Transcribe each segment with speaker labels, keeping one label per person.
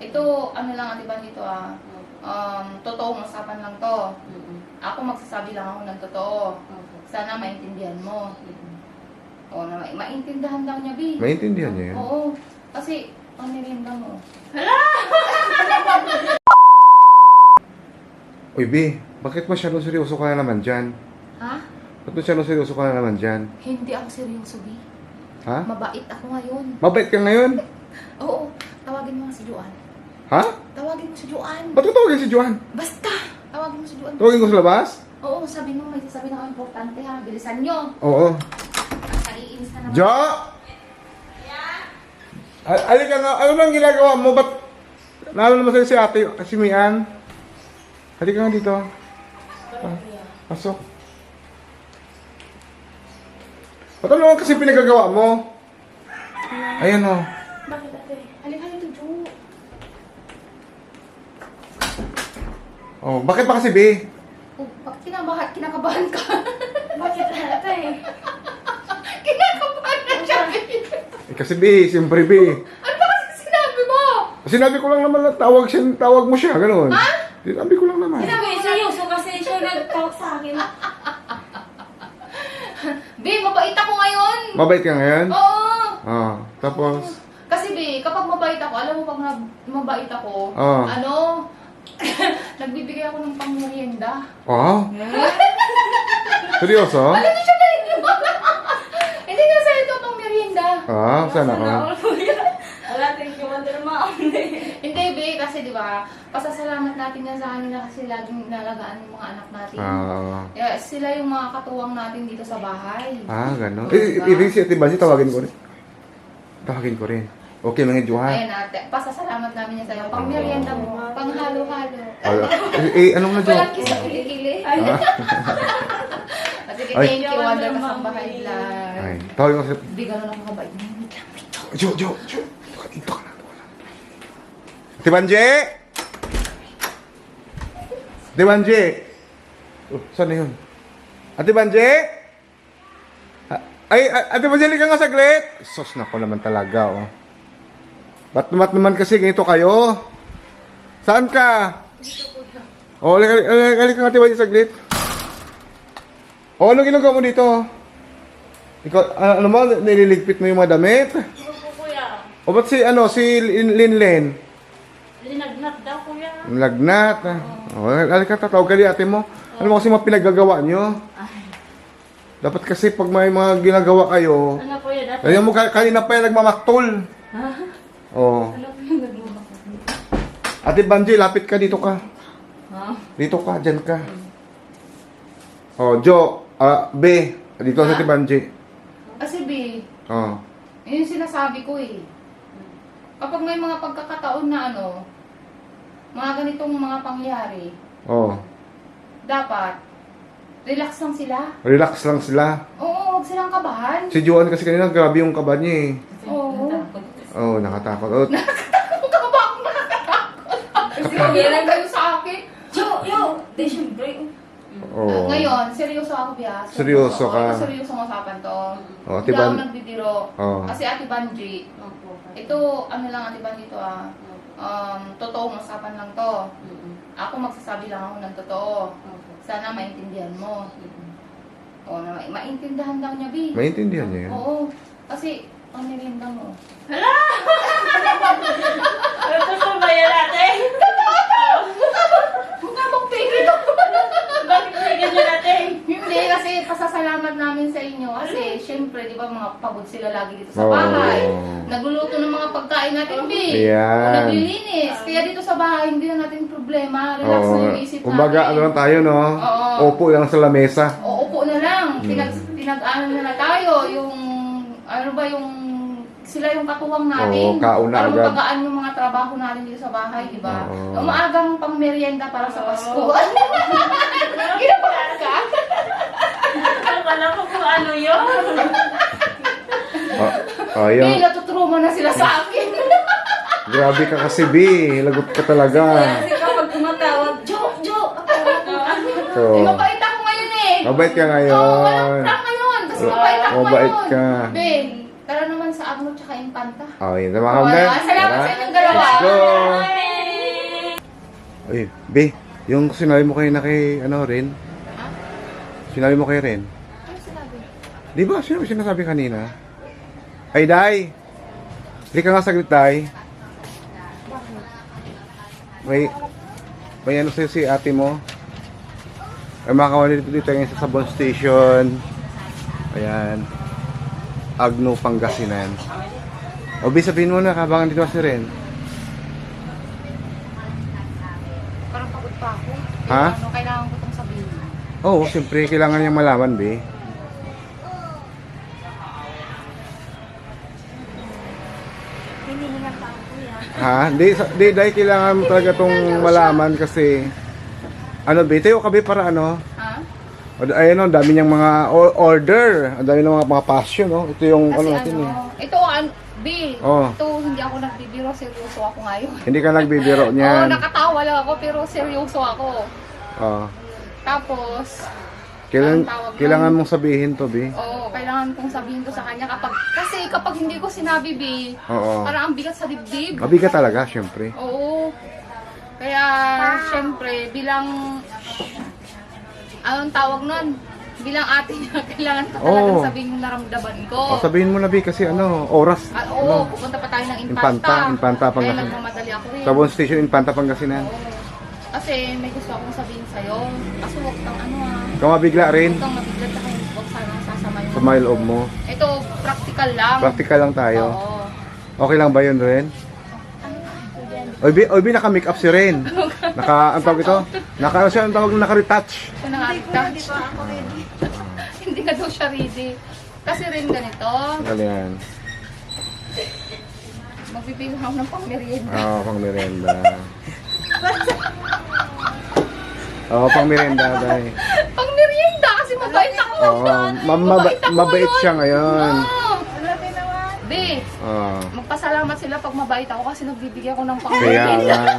Speaker 1: Ito, ano lang, di ba dito totoong usapan lang to. Ako magsasabi lang ako ng totoo. Sana maintindihan mo. Oo, maintindihan daw niya, Bi.
Speaker 2: Maintindihan niya yan.
Speaker 1: Oo, kasi ang merienda mo.
Speaker 2: Uy, B, bakit masyadong seryoso ka na naman dyan?
Speaker 1: Ha?
Speaker 2: Ba't masyadong seryoso ka na naman dyan?
Speaker 1: Hindi ako seryoso, Bi.
Speaker 2: Ha?
Speaker 1: Mabait ako ngayon.
Speaker 2: Mabait ka ngayon?
Speaker 1: Oo, tawagin mo nga si Juan.
Speaker 2: Ha?
Speaker 1: Tawagin mo si Juan.
Speaker 2: Ba't ko tawagin si Juan?
Speaker 1: Basta! Tawagin mo si Juan.
Speaker 2: Tawagin ko sa labas?
Speaker 1: Oo, sabi mo, may sasabihin ako importante ha. Bilisan nyo.
Speaker 2: Oo.
Speaker 1: Naiinis na naman.
Speaker 2: Jo! Alika nga, ano nang ginagawa mo? Ba't nalo naman sa'yo si ate, si Mian? Halika nga dito. Pasok. Ba't ano kasi pinagagawa mo? Ayan o.
Speaker 1: Bakit ate? Halika dito, Jo.
Speaker 2: Oh, bakit ba kasi, B?
Speaker 1: Oh, bakit kinakabahan ka?
Speaker 3: Bakit ate?
Speaker 1: Kinakabahan na siya, B.
Speaker 2: Eh, kasi, B, siyempre, B.
Speaker 1: Ano ba kasi sinabi mo?
Speaker 2: Sinabi ko lang naman na tawag mo siya, gano'n.
Speaker 1: Ha?
Speaker 2: Sinabi ko lang naman.
Speaker 3: Sabi, seryoso kasi siya nag-talk sa akin.
Speaker 1: B, mabait ako ngayon.
Speaker 2: Mabait ka ngayon?
Speaker 1: Oo.
Speaker 2: Ah, tapos,
Speaker 1: Kasi B, kapag mabait ako, alam mo pag mabait ako,
Speaker 2: Oo.
Speaker 1: nagbibigay ako ng pangmerienda.
Speaker 2: oh? Seryoso?
Speaker 1: Ano na siya galing mo? Hindi nga sa ito pangmerienda.
Speaker 2: Ah, sana ako.
Speaker 3: Wala, thank you, Wonder Mom.
Speaker 1: Hindi, B, kasi di ba, pasasalamat natin yan sa kanila kasi laging nalagaan yung mga anak natin.
Speaker 2: Ah,
Speaker 1: Yeah, sila yung mga katuwang natin dito sa bahay.
Speaker 2: gano'n.
Speaker 1: Diba?
Speaker 2: Ibig si Ate Bansi, tawagin ko rin. Tawagin ko rin. Okay, mga Juhan.
Speaker 1: Ayan ate, pasasalamat namin yan sa'yo. Pang merienda mo, pang halo-halo.
Speaker 2: Anong na, Jo?
Speaker 1: Walang kisa kilikili. Sige,
Speaker 2: Ay.
Speaker 1: thank you, Wonder Kasambahay Vlog.
Speaker 2: Ay, tawagin ko si...
Speaker 1: Hindi gano'n ako kabait. Wait lang, wait lang.
Speaker 2: Jo! Dito ka na. Ate Banji! Ate Banji! Oh, saan na yun? Ate Banji! Ay, Ate Banji, ka nga saglit! Sos, nako naman talaga, oh. Ba't naman kasi ganito kayo? Saan ka? Oh, halika nga, Ate Banji, saglit. Oh, anong ginagawa mo dito? Ikaw, ano mo, nililigpit mo yung mga damit?
Speaker 3: Ano po, kuya?
Speaker 2: O ba't si Linlen?
Speaker 3: Linagnat daw, kuya.
Speaker 2: Lagnat. O, halika, tatawag ka ate mo. Ano mo kasi mga pinagagawa nyo? Dapat kasi pag may mga ginagawa kayo,
Speaker 3: Ano, kuya? Dati?
Speaker 2: kaya mo kanina pa yung nagmamaktol. O.
Speaker 3: Ano po yung nagmumako?
Speaker 2: Ate Banji, lapit ka, dito ka.
Speaker 3: Ha?
Speaker 2: Dito ka, dyan ka. O, Jo, B, dito sa Ate Banji.
Speaker 1: Kasi B,
Speaker 2: O.
Speaker 1: yun yung sinasabi ko eh. Kapag may mga pagkakataon na mga ganitong mga pangyari,
Speaker 2: O.
Speaker 1: dapat, relax lang sila.
Speaker 2: Relax lang sila.
Speaker 1: Oo, huwag silang kabahan.
Speaker 2: Si Joan kasi kanina, grabe yung kaba niya eh.
Speaker 1: Oo.
Speaker 2: Oh, nakatakot. Oh,
Speaker 1: Kung kaba ako nakakatakot. Hindi kayo sa akin.
Speaker 3: Yo! Di, syempre.
Speaker 2: oh.
Speaker 1: Ngayon, seryoso ako, Bia.
Speaker 2: Seryoso ka.
Speaker 1: Seryosong usapan to.
Speaker 2: Oh, Ate
Speaker 1: Hindi ako
Speaker 2: Ban-
Speaker 1: nagbibiro.
Speaker 2: Oh.
Speaker 1: Kasi Ate Banji,
Speaker 3: Opo.
Speaker 1: ito, ano lang Ate Banji to totoong usapan lang to. Ako magsasabi lang ako ng totoo. Sana maintindihan mo. O, maintindihan daw niya, Bi.
Speaker 2: Maintindihan niya yan.
Speaker 1: Oo. Kasi, ang merienda mo.
Speaker 3: Ano to ba yan, ate?
Speaker 1: Mukha mong peke to.
Speaker 3: Bakit may ganyan, ate?
Speaker 1: Hindi, kasi pasasalamat namin sa inyo. Kasi, syempre, di ba, mga pagod sila lagi dito sa
Speaker 2: Oo.
Speaker 1: bahay. Nagluluto ng mga pagkain natin, Bi.
Speaker 2: Ayan.
Speaker 1: O, naglilinis. Kaya dito sa bahay, hindi na natin problema. Relax na yung isip natin.
Speaker 2: Kumbaga, ano lang tayo, no?
Speaker 1: Oo.
Speaker 2: Upo lang sa lamesa.
Speaker 1: O, upo na lang. Pinag-ano na tayo. Yung, ano ba, yung sila yung katuwang natin.
Speaker 2: Oo, kauna
Speaker 1: para
Speaker 2: agad.
Speaker 1: mapagaan yung mga trabaho natin dito sa bahay, di ba?
Speaker 2: Oo.
Speaker 1: Umaagang pang merienda para sa Pasko. Ginapahan ka?
Speaker 3: Akala ko kung ano yun.
Speaker 2: Oh,
Speaker 1: Eh,
Speaker 2: yun.
Speaker 1: natutruma na sila sa akin.
Speaker 2: Grabe ka kasi, B. Lagot ka talaga.
Speaker 3: Kasi kapag tumatawag, Jo!
Speaker 2: So,
Speaker 1: Eh, mabait ako ngayon eh.
Speaker 2: mabait ka
Speaker 1: Oo, walang
Speaker 2: ngayon.
Speaker 1: prank ngayon. Kasi mabait ako
Speaker 2: Mabait
Speaker 1: ngayon.
Speaker 2: ka.
Speaker 1: Ben, tara naman sa Agno tsaka impanta.
Speaker 2: Oh, yun. Mga ka-wonder.
Speaker 1: Salamat sa inyong dalawa.
Speaker 2: Let's go! Uy, Be, yung sinabi mo kayo na kay, ano, Ren?
Speaker 1: Ha?
Speaker 2: Sinabi mo kay Ren?
Speaker 1: Ano sinabi?
Speaker 2: Di ba? Sinasabi kanina? Ay, Day! Hindi ka nga saglit, Day. May ano sa'yo si ate mo? Ay, mga kawali dito ngayon sa Sabon Station. Ayan. Agno, Pangasinan. O, Be, sabihin mo na, kabangan dito si Ren.
Speaker 1: Parang pagod pa ako.
Speaker 2: Ha?
Speaker 1: Ano, kailangan ko itong sabihin.
Speaker 2: Oo, siyempre, kailangan niyang malaman, Be.
Speaker 3: Hinihingan pa ako yan.
Speaker 2: Ha? Di, dahil kailangan mo talaga itong malaman kasi ano, Be, tayo ka, Be, para ano?
Speaker 1: Ha?
Speaker 2: Ayun, ang dami niyang mga order. Ang dami ng mga passion, no? Ito yung
Speaker 1: Kasi
Speaker 2: ano natin, eh.
Speaker 1: ito, B,
Speaker 2: Oh.
Speaker 1: ito hindi ako nagbibiro, seryoso ako ngayon.
Speaker 2: Hindi ka nagbibiro
Speaker 1: Oo,
Speaker 2: niyan.
Speaker 1: nakatawa lang ako, pero seryoso ako.
Speaker 2: Oh.
Speaker 1: Tapos,
Speaker 2: Kailangan,
Speaker 1: anong tawag
Speaker 2: kailangan
Speaker 1: nun?
Speaker 2: mong sabihin to, Be.
Speaker 1: Oo, kailangan kong sabihin to sa kanya kasi kapag hindi ko sinabi, B,
Speaker 2: Oo.
Speaker 1: parang ang bigat sa dibdib.
Speaker 2: Mabigat talaga, syempre.
Speaker 1: Oo. Kaya, syempre, bilang, anong tawag nun? Bilang ate niya, kailangan ko talagang
Speaker 2: Oo.
Speaker 1: sabihin yung naramdaman ko.
Speaker 2: O, sabihin mo na, Be, kasi ano, oras.
Speaker 1: Oo,
Speaker 2: Ano,
Speaker 1: pupunta pa tayo ng
Speaker 2: Infanta,
Speaker 1: Infanta. Kaya
Speaker 2: Pangasinan.
Speaker 1: nagmamadali ako rin.
Speaker 2: Sabon Station, Infanta, Pangasinan.
Speaker 1: Oo. Kasi may gusto akong sabihin sa'yo. Kaso huwag kang
Speaker 2: Ikaw mabigla rin
Speaker 1: huwag kang mabigla at huwag sana sasama yung...
Speaker 2: sa my loob mo.
Speaker 1: Ito, practical lang.
Speaker 2: Practical lang tayo.
Speaker 1: Oo.
Speaker 2: Okay lang ba yun, Ren? Oy, Be, naka-make up si Ren. Ang tawag ito? Siya, ang tawag naka-retouch.
Speaker 1: Ito na nga, touch. Hindi ka daw siya ready. Kasi rin ganito,
Speaker 2: Ganyan.
Speaker 1: magbibigay ako ng pang-merienda.
Speaker 2: Oo, pang merienda. Oo, pang merienda, Day.
Speaker 1: Pang-merienda kasi mabait ako.
Speaker 2: Oo, mabait
Speaker 1: yun.
Speaker 2: siya ngayon.
Speaker 1: Oo.
Speaker 3: Malaki naman.
Speaker 1: Be,
Speaker 2: Oo.
Speaker 1: magpasalamat sila pag mabait ako kasi nagbibigay ako ng
Speaker 2: Kaya
Speaker 1: pang-merienda.
Speaker 2: nga.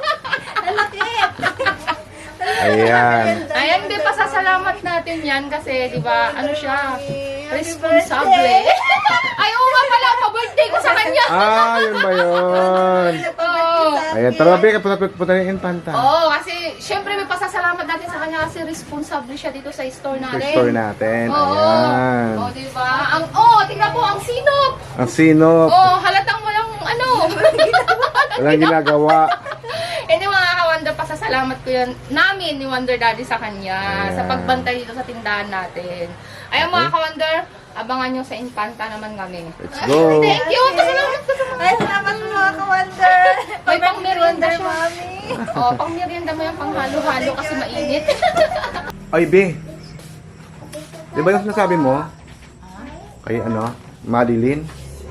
Speaker 2: Ayan.
Speaker 1: Ayan, di pasasalamat natin yan kasi, di ba, ano siya, responsable. Ay, oo nga pala, pa-birthday ko sa kanya.
Speaker 2: Ah, yun ba yun?
Speaker 1: Oo.
Speaker 2: Ayan, tara, Be, punta na yung Infanta.
Speaker 1: Oo, kasi, syempre may pasasalamat natin sa kanya kasi responsable siya dito sa store
Speaker 2: Sa
Speaker 1: natin.
Speaker 2: store natin.
Speaker 1: Oo.
Speaker 2: Ayan.
Speaker 1: Oo, di ba? Tingnan mo, ang sinop.
Speaker 2: Ang sinop.
Speaker 1: Oo, halatang walang ano.
Speaker 2: Walang ginagawa.
Speaker 1: Hindi mga ka-Wonder, pasasalamat ko yan namin ni Wonder Daddy sa kanya
Speaker 2: Ayan.
Speaker 1: sa pagbantay dito sa tindahan natin. Ayun mga ka-Wonder, abangan nyo sa Infanta naman kami.
Speaker 2: Let's go.
Speaker 1: Thank you! Pasalamat ko sa
Speaker 3: Ay, salamat po mga ka-wonder.
Speaker 1: May pang-merienda siya.
Speaker 3: Mami.
Speaker 1: Oh, pang-merienda mo yung pang-halo-halo kasi mainit.
Speaker 2: Ay, Be. Di ba yung sinasabi mo? Kay ano? Madeline?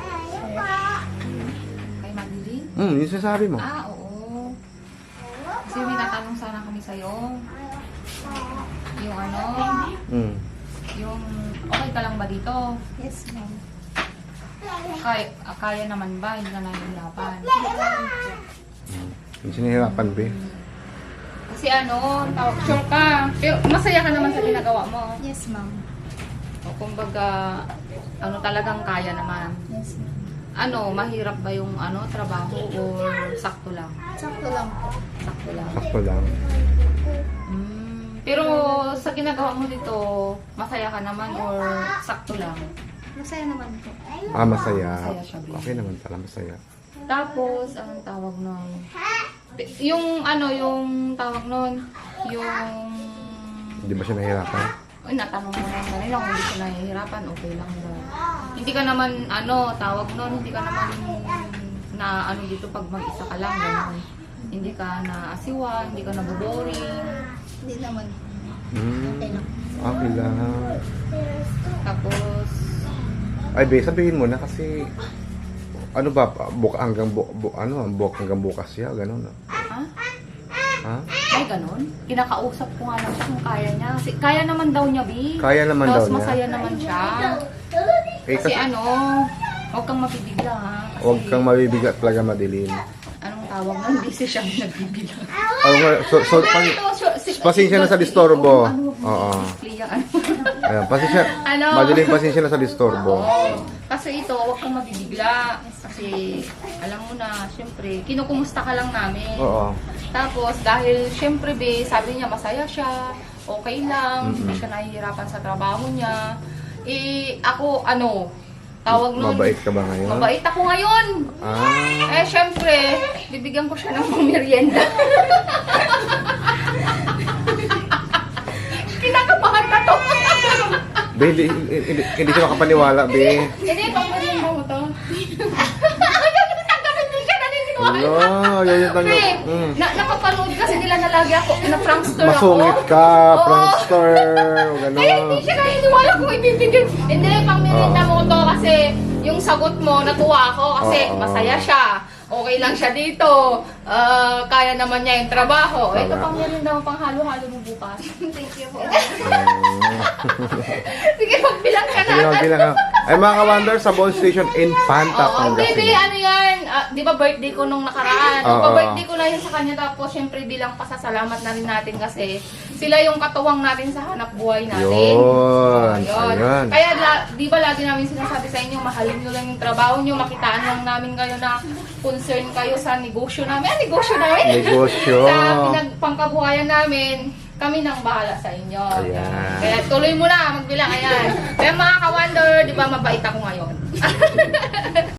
Speaker 1: Kay Madeline?
Speaker 2: Yung sinasabi mo.
Speaker 1: Ah, oo. Kasi may natanong sana kami sa'yo. Yung ano,
Speaker 2: Mm.
Speaker 1: yung okay ka lang ba dito?
Speaker 3: Yes, ma'am.
Speaker 1: Kaya naman ba? Hindi ka nahihirapan?
Speaker 2: Yung sinihirapan, Be.
Speaker 1: Kasi ano, sure ka. Pero masaya ka naman sa ginagawa mo.
Speaker 3: Yes, ma'am.
Speaker 1: O kumbaga, ano talagang kaya naman.
Speaker 3: Yes, ma'am.
Speaker 1: Ano, mahirap ba yung ano, trabaho or sakto lang?
Speaker 3: Sakto lang po.
Speaker 1: Sakto lang.
Speaker 2: Sakto lang.
Speaker 1: Pero sa ginagawa mo dito, masaya ka naman or sakto lang?
Speaker 3: Masaya naman po.
Speaker 2: Ah, masaya.
Speaker 1: Masaya siya, Be.
Speaker 2: Okay naman pala, masaya.
Speaker 1: Tapos, anong tawag nun? Yung ano, yung tawag nun, yung...
Speaker 2: Hindi ba siya nahihirapan?
Speaker 1: Uy, natanong mo naman kanila kung hindi ka nahihirapan, okay lang daw. Hindi ka naman, ano, tawag nun, hindi ka naman na ano dito pag mag-isa ka lang, gano'n. Hindi ka na asiwa, hindi ka na boring.
Speaker 3: Hindi naman.
Speaker 2: Okay lang.
Speaker 1: Tapos,
Speaker 2: Ay, Be, sabihin mo na kasi ano ba, bukas hanggang bukas siya, gano'n.
Speaker 1: ha?
Speaker 2: Ha?
Speaker 1: Ay, gano'n? Kinakausap ko nga lang siya kung kaya niya. Kasi kaya naman daw niya, Bi.
Speaker 2: Kaya naman daw
Speaker 1: Tapos
Speaker 2: niya.
Speaker 1: masaya naman siya.
Speaker 2: Eh,
Speaker 1: Kasi ano, huwag kang mapibigla ha. Kasi,
Speaker 2: huwag kang mabibigat talaga, Madeline.
Speaker 1: Anong tawag nun, busy siyang nagbibilang.
Speaker 2: Oh, so, pasensya na sa disturbo. Oo. Ayan, pasensya.
Speaker 1: Ano?
Speaker 2: Madaling pasensya na sa disturbo.
Speaker 1: Oo. Kasi ito, huwag kang mabibigla. Kasi, alam mo na, syempre, kinukumusta ka lang namin.
Speaker 2: Oo.
Speaker 1: Tapos, dahil, syempre, be, sabi niya, masaya siya, okay lang, hindi siya nahihirapan sa trabaho niya. Eh, ako, tawag nun.
Speaker 2: Mabait ka ba ngayon?
Speaker 1: Mabait ako ngayon.
Speaker 2: Ah.
Speaker 1: Eh, syempre, bibigyan ko siya ng merienda. Kinakabahan na to.
Speaker 2: Be, hindi ka makapaniwala, be.
Speaker 1: Hindi, pang merienda mo to. Ayun, tanggapin din siya, naniniwala.
Speaker 2: Wala, yun yung tanggap.
Speaker 1: Pre, napapanood kasi nila na lagi ako, na prankster ako.
Speaker 2: Masungit ka,
Speaker 1: Oo.
Speaker 2: prankster,
Speaker 1: Kaya hindi
Speaker 2: gano'n.
Speaker 1: siya naniniwala kung ibibigay. Hindi, pang merienda mo to kasi yung sagot mo, natuwa ako kasi
Speaker 2: Oo.
Speaker 1: masaya siya. Okay lang siya dito. Kaya naman niya yung trabaho. Ito
Speaker 2: Tama.
Speaker 1: pang merienda mo, pang halo-halo mo bukas.
Speaker 3: Thank you po.
Speaker 1: Sige, magbilang ka na.
Speaker 2: Sige na, bilang ka. Ay, mga ka-wonder, sa Bone Station, Infanta,
Speaker 1: Oo, baby,
Speaker 2: Pangasinan.
Speaker 1: ano yan? Di ba birthday ko nung nakaraan?
Speaker 2: Oo.
Speaker 1: Pa-birthday ko na yun sa kanya. Tapos, syempre, bilang pasasalamat na rin natin kasi sila yung katuwang natin sa hanap buhay natin.
Speaker 2: Yun,
Speaker 1: Ayun.
Speaker 2: ayun.
Speaker 1: Kaya, di ba lagi namin sinasabi sa inyo, mahalin nyo lang yung trabaho nyo, makitaan lang namin kayo na concern kayo sa negosyo namin. Negosyo namin!
Speaker 2: Negosyo.
Speaker 1: sa pinagpangkabuhayan namin, kami nang bahala sa inyo.
Speaker 2: Ayan.
Speaker 1: Kaya tuloy mo na, magbilang. Ayan. Kaya mga ka-wonder, di ba mabait ako ngayon?